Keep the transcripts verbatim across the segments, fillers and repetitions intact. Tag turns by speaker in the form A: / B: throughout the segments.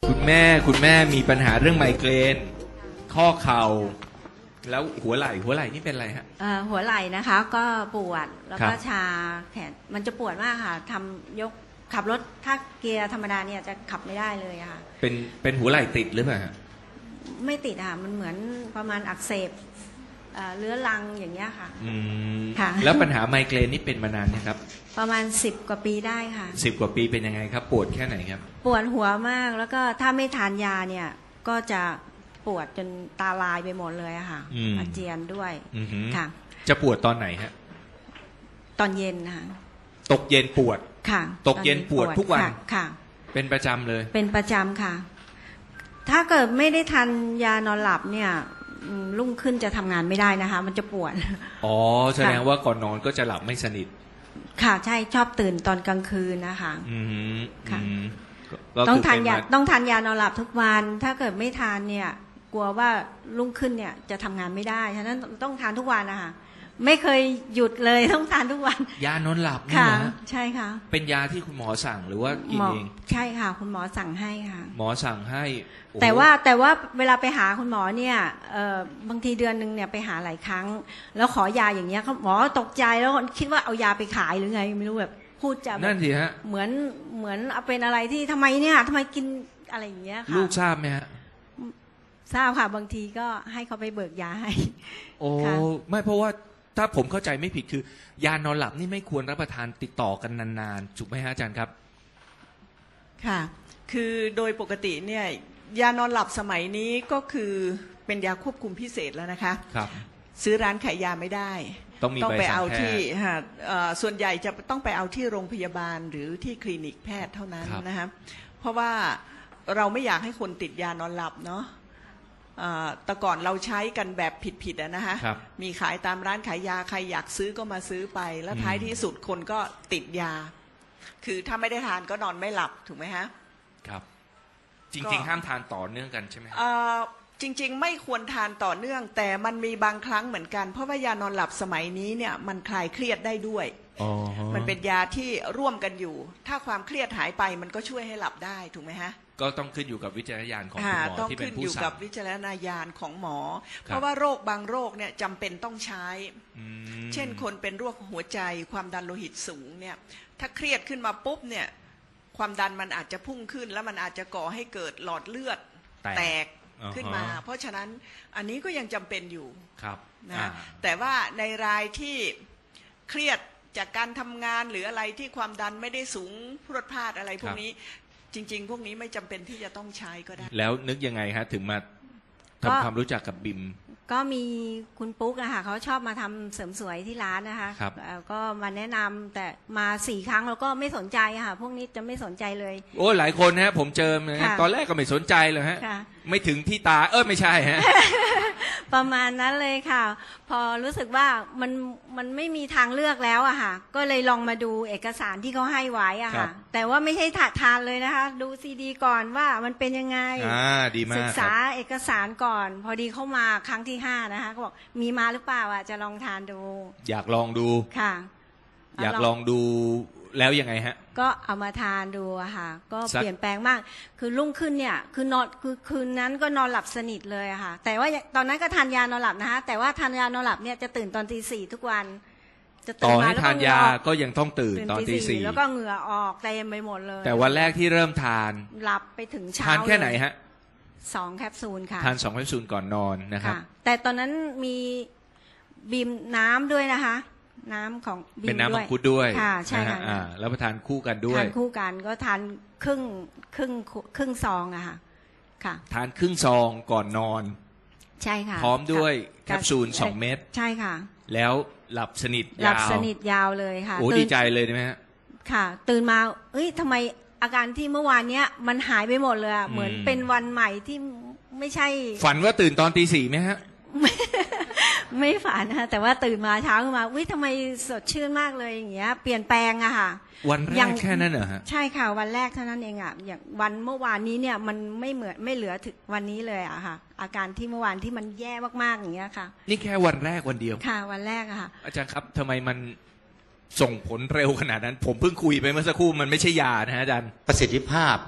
A: คุณแม่คุณแม่มีปัญหาเรื่องไมเกรนข้อเข่าแล้วหัวไหล่หัวไหล่นี่เป็นอะไรฮะ
B: เอ่อหัวไหล่นะคะก็ปวดแล้วก็
A: ครับ
B: ชาแขนมันจะปวดมากค่ะทำยกขับรถถ้าเกียร์ธรรมดาเนี่ยจะขับไม่ได้เลยอะค่ะ
A: เป็นเป็นหัวไหล่ติดหรือเปล่าฮะ
B: ไม่ติดค่ะมันเหมือนประมาณอักเสบเอ่อเรื้อรังอย่างเงี้ยค่ะ
A: อืม
B: ค่ะ
A: แล้วปัญหาไมเกรนนี่เป็นมานานนะครับ
B: ประมาณสิบกว่าปีได้ค่ะ
A: สิบกว่าปีเป็นยังไงครับปวดแค่ไหนครับ
B: ปวดหัวมากแล้วก็ถ้าไม่ทานยาเนี่ยก็จะปวดจนตาลายไปหมดเลยอะค่ะอาเจียนด้วยค่ะ
A: จะปวดตอนไหนฮะ
B: ตอนเย็นนะคะ
A: ตกเย็นปวด
B: ค่ะ
A: ตกเย็นปวดทุกวัน
B: ค่ะ
A: เป็นประจำเลย
B: เป็นประจำค่ะถ้าเกิดไม่ได้ทานยานอนหลับเนี่ยรุ่งขึ้นจะทำงานไม่ได้นะคะมันจะปวด
A: อ๋อแสดงว่าก่อนนอนก็จะหลับไม่สนิท
B: ค่ะใช่ชอบตื่นตอนกลางคืนนะคะ
A: อืม
B: ค่ะต้องทานยาต้องทานยานอนหลับทุกวันถ้าเกิดไม่ทานเนี่ยกลัวว่ารุ่งขึ้นเนี่ยจะทำงานไม่ได้ฉะนั้นต้องทานทุกวันนะคะไม่เคยหยุดเลยต้องทานทุกวัน
A: ยานอนหลับนี่
B: ค่ะ
A: นะ
B: ใช่ค่ะ
A: เป็นยาที่คุณหมอสั่งหรือว่ากินเอง
B: ใช่ค่ะคุณหมอสั่งให้ค่ะ
A: หมอสั่งให้
B: แต่ว่าแต่ว่าเวลาไปหาคุณหมอเนี่ยเอ่อบางทีเดือนนึงเนี่ยไปหาหลายครั้งแล้วขอยาอย่างเงี้ยหมอตกใจแล้วคิดว่าเอายาไปขายหรือไงไม่รู้แบบพูดจะ
A: นั่นสิฮะ
B: เหมือนเหมือนเอาเป็นอะไรที่ทำไมเนี่ยทำไมกินอะไรอย่างเงี้ยค่ะ
A: ลูกทราบไหมฮะ
B: ทราบค่ะบางทีก็ให้เขาไปเบิกยาให้
A: โอ้ไม่เพราะว่าถ้าผมเข้าใจไม่ผิดคือยานอนหลับนี่ไม่ควรรับประทานติดต่อกันนานๆถูกไหมฮะอาจารย์ครับ
C: ค่ะคือโดยปกติเนี่ยยานอนหลับสมัยนี้ก็คือเป็นยาควบคุมพิเศษแล้วนะคะ
A: ครับ
C: ซื้อร้านขายยาไม่ได้
A: ต้องมีใบสั่งแพทย์
C: ไปเอาที่ส่วนใหญ่จะต้องไปเอาที่โรงพยาบาลหรือที่คลินิกแพทย์เท่านั้นนะคะเพราะว่าเราไม่อยากให้คนติดยานอนหลับเนาะแต่ก่อนเราใช้กันแบบผิดๆนะฮะมีขายตามร้านขายยาใครอยากซื้อก็มาซื้อไปแล้วท้ายที่สุดคนก็ติดยาคือถ้าไม่ได้ทานก็นอนไม่หลับถูกไหมฮะ
A: ครับจริงๆห้ามทานต่อเนื่องกันใช่ไหม
C: จริงๆไม่ควรทานต่อเนื่องแต่มันมีบางครั้งเหมือนกันเพราะว่ายานอนหลับสมัยนี้เนี่ยมันคลายเครียดได้ด้วยมันเป็นยาที่ร่วมกันอยู่ถ้าความเครียดหายไปมันก็ช่วยให้หลับได้ถูกไหมฮะ
A: ก็ต้องขึ้นอยู่กับวิจารณญาณของคุณหมอที่เป็นผู้สั่งต้องขึ้นอยู่กับ
C: วิจารณญาณของหมอเพราะว่าโรคบางโรคเนี่ยจำเป็นต้องใช้เช่นคนเป็นโรคหัวใจความดันโลหิตสูงเนี่ยถ้าเครียดขึ้นมาปุ๊บเนี่ยความดันมันอาจจะพุ่งขึ้นแล้วมันอาจจะก่อให้เกิดหลอดเลือดแตกขึ้นมาเพราะฉะนั้นอันนี้ก็ยังจำเป็นอยู่นะแต่ว่าในรายที่เครียดจากการทำงานหรืออะไรที่ความดันไม่ได้สูงพรวดพลาดอะไรพวกนี้จริงๆพวกนี้ไม่จำเป็นที่จะต้องใช้ก็ได้
A: แล้วนึกยังไงฮะถึงมาทำความรู้จักกับบิม
B: ก็มีคุณปุ๊กอะค่ะเขาชอบมาทำเสริมสวยที่ร้านนะคะก็มาแนะนำแต่มาสี่ครั้งแล้วก็ไม่สนใจค่ะพวกนี้จะไม่สนใจเลย
A: โอ้หลายคนฮะผมเจอนะตอนแรกก็ไม่สนใจเลยฮะไม่ถึงที่ตาเออไม่ใช่ฮะ
B: ประมาณนั้นเลยค่ะพอรู้สึกว่ามันมันไม่มีทางเลือกแล้วอะค่ะก็เลยลองมาดูเอกสารที่เขาให้ไว้อะค่ะแต่ว่าไม่ใช่ถาทานเลยนะคะดูซีดีก่อนว่ามันเป็นยังไง
A: อ่าดีมาก
B: ศึกษาเอกสารก่อนพอดีเข้ามาครั้งที่ห้านะคะก็บอกมีมาหรือเปล่าอ่ะจะลองทานดู
A: อยากลองดู
B: ค่ะ
A: อยากลองดูแล้วยังไงฮะ
B: ก็เอามาทานดูอะค่ะก็เปลี่ยนแปลงมากคือรุ่งขึ้นเนี่ยคือนอนคือคืนนั้นก็นอนหลับสนิทเลยอะค่ะแต่ว่าตอนนั้นก็ทานยานอนหลับนะคะแต่ว่าทานยานอนหลับเนี่ยจะตื่นตอนตีสี่ทุกวัน
A: จะตื่นมาแล้วทานยาก็ยังต้องตื่นตอนตีสี่
B: แล้วก็เหงื่อออกเต็มไปหมดเลย
A: แต่วันแรกที่เริ่มทาน
B: หลับไปถึงเช้า
A: ทานแค่ไหนฮะ
B: สองแคปซูลค่ะ
A: ทานสองแคปซูลก่อนนอนนะครับ
B: แต่ตอนนั้นมีบีมน้ำด้วยนะคะน้ำของบีมด้วย
A: เป็นน้ำมังคุดด้วย
B: ค่ะใช่ค่ะ
A: แล้วมาทานคู่กันด้วย
B: ทานคู่กันก็ทานครึ่งครึ่งครึ่งซองอะค่ะค่ะ
A: ทานครึ่งซองก่อนนอน
B: ใช่ค่ะ
A: พร้อมด้วยแคปซูลสองเม็ด
B: ใช่ค่ะ
A: แล้วหลับสนิทยาว
B: หลับสนิทยาวเลยค่ะ
A: โอ้ดีใจเลยใช่ไหมฮะ
B: ค่ะตื่นมาเอ้ยทำไมอาการที่เมื่อวานเนี้ยมันหายไปหมดเลยอะเหมือนเป็นวันใหม่ที่ไม่ใช่
A: ฝันว่าตื่นตอนตีสี่ไหมฮะ
B: ไม่ฝันนะแต่ว่าตื่นมาเช้าขึ้นมาวิทำไมสดชื่นมากเลยอย่างเงี้ยเปลี่ยนแปลงอะค่ะ
A: วันแรกแค่นั้นเหรอฮะ
B: ใช่ค่ะวันแรกเท่านั้นเองอะอย่างวันเมื่อวานนี้เนี่ยมันไม่เหมือนไม่เหลือถึงวันนี้เลยอะค่ะอาการที่เมื่อวานที่มันแย่มากๆอย่างเงี้ยค่ะ
A: นี่แค่วันแรกวันเดียว
B: ค่ะวันแรกอะค่ะ
A: อาจารย์ครับทำไมมันส่งผลเร็วขนาดนั้นผมเพิ่งคุยไปเมื่อสักครู่มันไม่ใช่ยานะฮะอาจารย์
D: ประสิทธิภาพ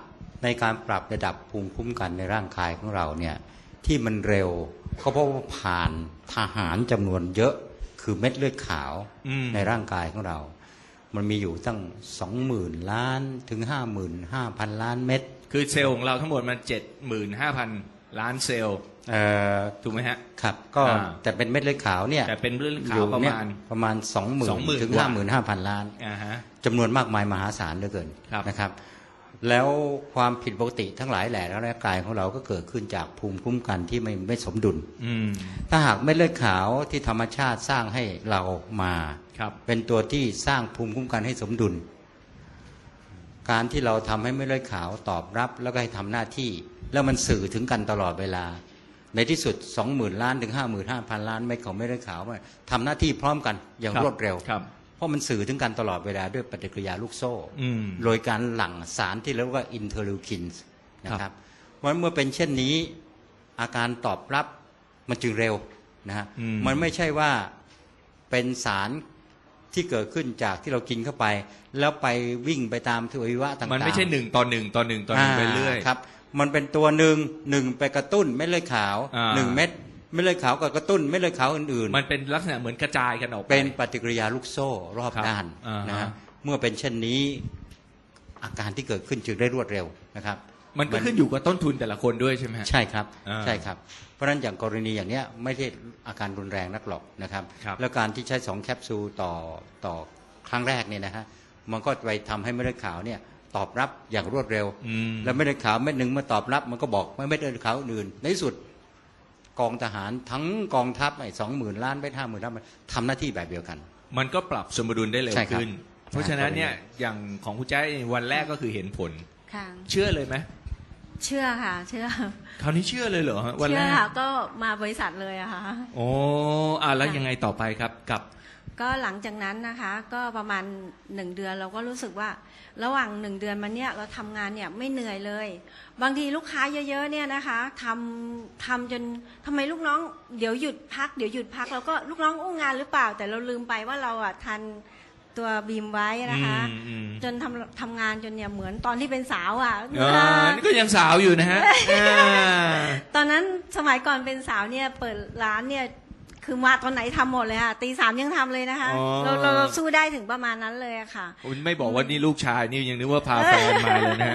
D: ในการปรับระดับภูมิคุ้มกันในร่างกายของเราเนี่ยที่มันเร็วก็เพราะว่าผ่านทหารจำนวนเยอะคือเม็ดเลือดขาวในร่างกายของเรามันมีอยู่ตั้งสองหมื่นล้านถึงห้าหมื่นห้าพันล้านเม็ด
A: คือเซลล์ของเราทั้งหมดมันเจ็ดหมื่นห้าพันล้านเซลล์ถูกไหมฮะ
D: ครับก็แต่เป็นเม็ดเลือดขาวเนี่ย
A: แต่เป็นเลือดขาวประมาณ
D: ประมาณสองหมื่นถึงห้าหมื่นห้าพันล้านจำนวนมากมายมหาศาลเหลือเกินนะครับแล้วความผิดปกติทั้งหลายแหล่ในร่างกายของเราก็เกิดขึ้นจากภูมิคุ้มกันที่ไม่ไม่สมดุลถ้าหากเม็ดเลือดขาวที่ธรรมชาติสร้างให้เรามาเป็นตัวที่สร้างภูมิคุ้มกันให้สมดุลการที่เราทำให้เม็ดเลือดขาวตอบรับแล้วก็ให้ทำหน้าที่แล้วมันสื่อถึงกันตลอดเวลาในที่สุด สองหมื่น ล้านถึง ห้าหมื่นห้าพัน ล้านเม็ดของเม็ดเลือดขาวทำหน้าที่พร้อมกันอย่างรวดเร็วเพราะมันสื่อถึงกันตลอดเวลาด้วยปฏิกิริยาลูกโซ่โดยการหลั่งสารที่เรียกว่าอินเทอร์ลิวคินส์นะครับเพราะเมื่อเป็นเช่นนี้อาการตอบรับมันจึงเร็วนะฮะมันไม่ใช่ว่าเป็นสารที่เกิดขึ้นจากที่เรากินเข้าไปแล้วไปวิ่งไปตามทวัยวะต่างๆ
A: มันไม่ใช่หนึ่งต่อหนึ่งต่อหนึ่งต่อหนึ่งไปเรื่อย
D: ครับมันเป็นตัวหนึ่งหนึ่งไปกระตุ้นเม็ดเลือดขาวหนึ่งเม็ดเม็ดเลือดขาวกับกระตุ้นเม็ดเลือดขาวอื่น
A: ๆมันเป็นลักษณะเหมือนกระจายกันออกไป
D: เป็นปฏิกิริยาลูกโซ่รอบด้านนะฮะเมื่อเป็นเช่นนี้อาการที่เกิดขึ้นจึงได้รวดเร็วนะครับ
A: มันก็ขึ้นอยู่กับต้นทุนแต่ละคนด้วยใช่ไหม
D: ใช่ครับใช่ครับเพราะฉะนั้นอย่างกรณีอย่างเนี้ยไม่ได้อาการรุนแรงนักหรอกนะครับแล้วการที่ใช้สองแคปซูลต่อต่อครั้งแรกเนี่ยนะฮะมันก็ไปทำให้เม็ดเลือดขาวเนี่ยตอบรับอย่างรวดเร็วแล้วเม็ดเลือดขาวเม็ดหนึ่งมาตอบรับมันก็บอกไม่เม็ดเลือดขาวอื่นในที่สุดกองทหารทั้งกองทัพไอ้สองหมื่นล้านไปห้าหมื่นล้านมันทำหน้าที่แบบเดียวกัน
A: มันก็ปรับสมดุลได้เร็วขึ้นเพราะฉะนั้นเนี่ยอย่างของคุณแจ๊ควันแรกก็คือเห็นผลเชื่อเลยไหม
B: เชื่อค่ะเชื่อ
A: คราวนี้เชื่อเลยเหรอวันแรก
B: เชื่อค่ะก็มาบริษัทเลยอะค่ะ
A: โอ้อ่ะแล้วยังไงต่อไปครับกับ
B: ก็หลังจากนั้นนะคะก็ประมาณหนึ่งเดือนเราก็รู้สึกว่าระหว่างหนึ่งเดือนมาเนี่ยเราทำงานเนี่ยไม่เหนื่อยเลยบางทีลูกค้าเยอะๆเนี่ยนะคะทำทำจนทำไมลูกน้องเดี๋ยวหยุดพักเดี๋ยวหยุดพักเราก็ลูกน้องอู้งานหรือเปล่าแต่เราลืมไปว่าเราอ่ะทันตัวบีมไว้นะคะจนทำทำงานจนเนี่ยเหมือนตอนที่เป็นสาวอ่ะ
A: นี่ก็ยังสาวอยู่นะฮะ
B: ตอนนั้นสมัยก่อนเป็นสาวเนี่ยเปิดร้านเนี่ยคือมาตอนไหนทำหมดเลยค่ะตีสามยังทำเลยนะคะเราเราสู้ได้ถึงประมาณนั้นเลยค่ะ
A: คุณไม่บอกว่านี่ลูกชายนี่ยังนึกว่าพาแฟนมาเลยนะฮะ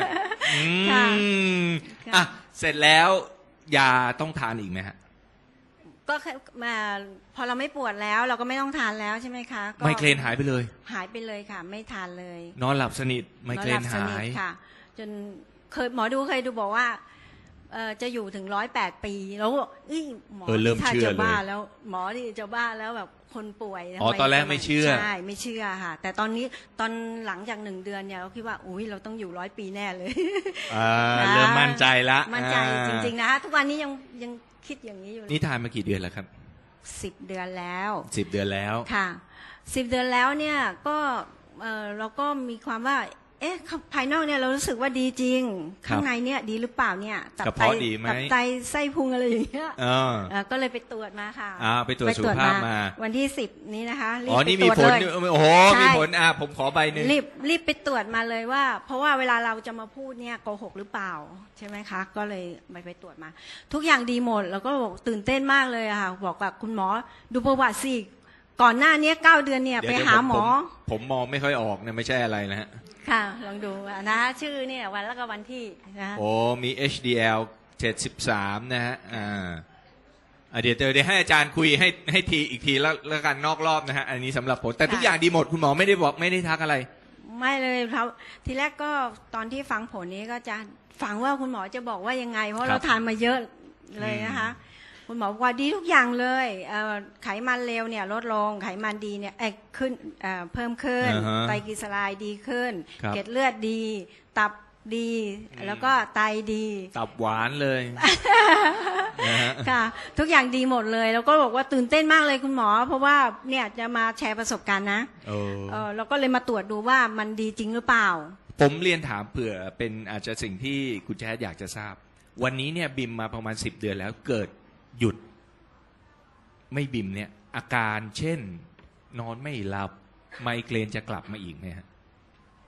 A: อ่ะเสร็จแล้วยาต้องทานอีกไหมฮะ
B: ก็มาพอเราไม่ปวดแล้วเราก็ไม่ต้องทานแล้วใช่ไหมคะ
A: ไมเกรนหายไปเลย
B: หายไปเลยค่ะไม่ทานเลย
A: นอนหลับสนิทไมเกรนหาย
B: ค่ะจนเคยหมอดูเคยดูบอกว่าจะอยู่ถึงร้อยแปดปีแล้วหมอถ้าจะบ้าแล้วหมอที่จะบ้าแล้วแบบคนป่วย
A: อ๋อตอนแรกไม่เชื่อ
B: ใช่ไม่เชื่อค่ะแต่ตอนนี้ตอนหลังจากหนึ่งเดือนเนี่ยเราคิดว่าอุ้ยเราต้องอยู่ร้อยปีแน่เลย
A: เริ่มมั่นใจละ
B: มั่นใจจริงๆนะคะทุกวันนี้ยังยังคิดอย่างนี้อยู่
A: นี่ทานมากี่เดือนแล้วครับ
B: สิบเดือนแล้ว
A: สิบเดือนแล้ว
B: ค่ะสิบเดือนแล้วเนี่ยก็เราก็มีความว่าเอ๊ะภายนอกเนี่ยเรารู้สึกว่าดีจริงข้างในเนี่ยดีหรือเปล่าเนี่ย
A: ตับไตตั
B: บไตไส้พุงอะไรอย่างเงี้ยก็เลยไปตรวจมาค่ะ
A: ไปตรวจสุขภาพมา
B: วันที่สิบนี้นะคะ
A: อ๋อนี่มีผลโอ้โหมีผลอ่ะผมขอใบหนึ่ง
B: รีบรีบไปตรวจมาเลยว่าเพราะว่าเวลาเราจะมาพูดเนี่ยโกหกหรือเปล่าใช่ไหมคะก็เลยไปไปตรวจมาทุกอย่างดีหมดแล้วก็บอกตื่นเต้นมากเลยค่ะบอกกับคุณหมอดูประวัติสิก่อนหน้านี้เก้าเดือนเนี่ยไปหาหมอ
A: ผมมองไม่ค่อยออกเนี่ยไม่ใช่อะไรนะฮะ
B: ค่ะลองดูนะชื่อเนี่ยวันแล้วก็วันที่นะ
A: โอ้มี เอช ดี แอล เจ็ดสิบสามนะฮะอ่าเดี๋ยวเดี๋ยวให้อาจารย์คุยให้ให้ทีอีกทีแล้วแล้วกันนอกรอบนะฮะอันนี้สำหรับผมแต่ทุกอย่างดีหมดคุณหมอไม่ได้บอกไม่ได้ทักอะไร
B: ไม่เลยครับทีแรกก็ตอนที่ฟังผลนี้ก็จะฟังว่าคุณหมอจะบอกว่ายังไงเพราะเราทานมาเยอะเลยนะคะคุณหมอบอกว่าดีทุกอย่างเลยไขมันเลวเนี่ยลดลงไขมันดีเนี่ยขึ้นเพิ่มขึ้นไตรกลีเซอไรด์ดีขึ้นเกล็ดเลือดดีตับดีแล้วก็ไตดี
A: ตับหวานเลย
B: ค่ะทุกอย่างดีหมดเลยแล้วก็บอกว่าตื่นเต้นมากเลยคุณหมอเพราะว่าเนี่ยจะมาแชร์ประสบการณ์นะเราก็เลยมาตรวจดูว่ามันดีจริงหรือเปล่า
A: ผมเรียนถามเผื่อเป็นอาจจะสิ่งที่คุณแจ๊ดอยากจะทราบวันนี้เนี่ยบิมมาประมาณสิบเดือนแล้วเกิดหยุดไม่บิมเนี่ยอาการเช่นนอนไม่หลับไมเกรนจะกลับมาอีกไหมฮะ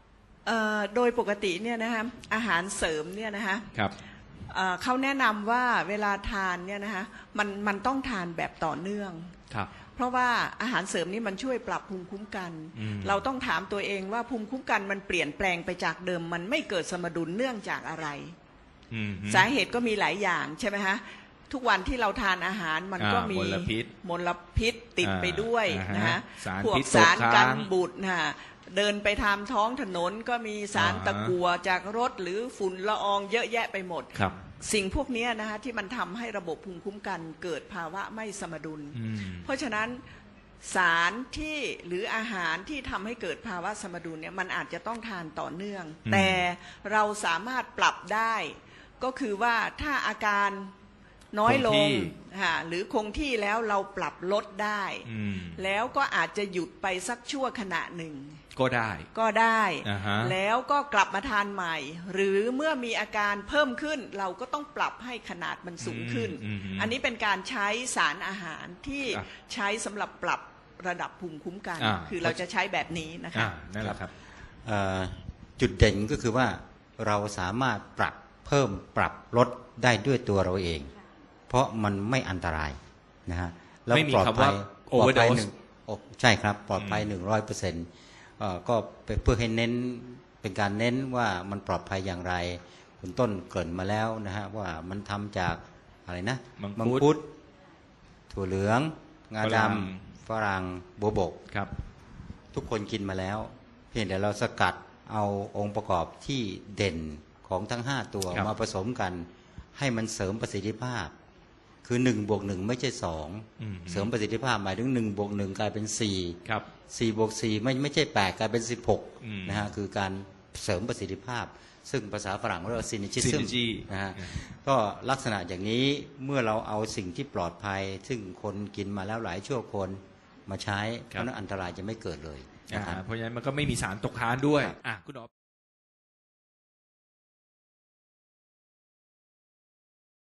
C: เอ่อโดยปกติเนี่ยนะคะอาหารเสริมเนี่ยนะคะ
A: ครับ
C: เอ่อเขาแนะนำว่าเวลาทานเนี่ยนะคะมันมันต้องทานแบบต่อเนื่อง
A: ครับ
C: เพราะว่าอาหารเสริมนี่มันช่วยปรับภูมิคุ้มกัน
A: อืม
C: เราต้องถามตัวเองว่าภูมิคุ้มกันมันเปลี่ยนแปลงไปจากเดิมมันไม่เกิดสมดุลเนื่องจากอะไร
A: อืม
C: สาเหตุก็มีหลายอย่างใช่ไหมฮะทุกวันที่เราทานอาหารมันก็
A: อ่า
C: มี
A: มลพิษ
C: มลพิษติดไปด้วย
A: อ่า
C: นะฮะ
A: สาร
C: พวก
A: พิษตก
C: สารกัน
A: ค้าง
C: บูดนะฮะเดินไปทางท้องถนนก็มีสาร
A: อ่า
C: ตะกั่วจากรถหรือฝุ่นละอองเยอะแยะไปหมด
A: ครับ
C: สิ่งพวกนี้นะฮะที่มันทำให้ระบบภูมิคุ้มกันเกิดภาวะไม่สมดุล
A: อืม
C: เพราะฉะนั้นสารที่หรืออาหารที่ทำให้เกิดภาวะสมดุลเนี่ยมันอาจจะต้องทานต่อเนื่อง
A: อืม
C: แต่เราสามารถปรับได้ ก็คือว่าถ้าอาการน้อยล
A: คง
C: ง
A: ที่
C: ค่ะหรือคงที่แล้วเราปรับลดได้
A: อืม
C: แล้วก็อาจจะหยุดไปสักชั่วขณะหนึ่ง
A: ก็ได้
C: ก็ได้
A: อ่าฮะ
C: แล้วก็กลับมาทานใหม่ หรือเมื่อมีอาการเพิ่มขึ้น เราก็ต้องปรับให้ขนาดมันสูงขึ้น
A: อืมอืม
C: อันนี้เป็นการใช้สารอาหารที่
A: ครับ
C: ใช้สำหรับปรับระดับภูมิคุ้มกัน
A: อ่า
C: คือเราจะใช้แบบนี้นะ
A: อ่า
C: คะ
A: นั่นแหละครับ
D: เอ่อจุดเด่นก็คือว่าเราสามารถปรับเพิ่มปรับลดได้ด้วยตัวเราเอง เพราะมันไม่อันตรายนะฮะแล้ว
A: ไม่มี
D: ปลอด
A: คำ
D: ภั
A: ว่าย
D: ปลอดภัย
A: overdose
D: หนึ่งโอ้ใช่ครับปลอดภัยหนึ่งร้อยเปอร์เซ็นต์ก็เพื่อให้เน้นเป็นการเน้นว่ามันปลอดภัยอย่างไรคุณต้นเกริ่นมาแล้วนะฮะว่ามันทำจากอะไรนะ
A: มังคุด
D: ดถั่วเหลือง งา
A: ฝ
D: ด
A: รั่ง
D: ำฝรั่งโบวบก
A: ครับ
D: ทุกคนกินมาแล้ว เพียงแต่เราสกัดเอาองค์ประกอบที่เด่นของทั้งห้าตัว
A: ครับ
D: มาผสมกัน ให้มันเสริมประสิทธิภาพ คือหนึ่งบวกหนึ่งไม่ใช่สอง
A: อืม
D: เสริมประสิทธิภาพหมายถึงหนึ่งบวกหนึ่งกลายเป็นสี่
A: ครับ
D: สี่บวกสี่ไม่ไม่ใช่แปดกลายเป็นสิบหก
A: อืม
D: นะฮะคือการเสริมประสิทธิภาพ ซึ่งภาษาฝรั่งเรียกว่า synergism
A: synergy
D: นะฮะ
A: อืม
D: ก็ลักษณะอย่างนี้เมื่อเราเอาสิ่งที่ปลอดภัย ซึ่งคนกินมาแล้วหลายชั่วคนมาใช้เพราะฉะนั้นอันตรายจะไม่เกิดเลย
A: อ่า
D: นะครับ
A: เพราะฉะนั้นมันก็ไม่มีสารตกค้างด้วย
D: ครับ
A: อ่ะคุณหมอ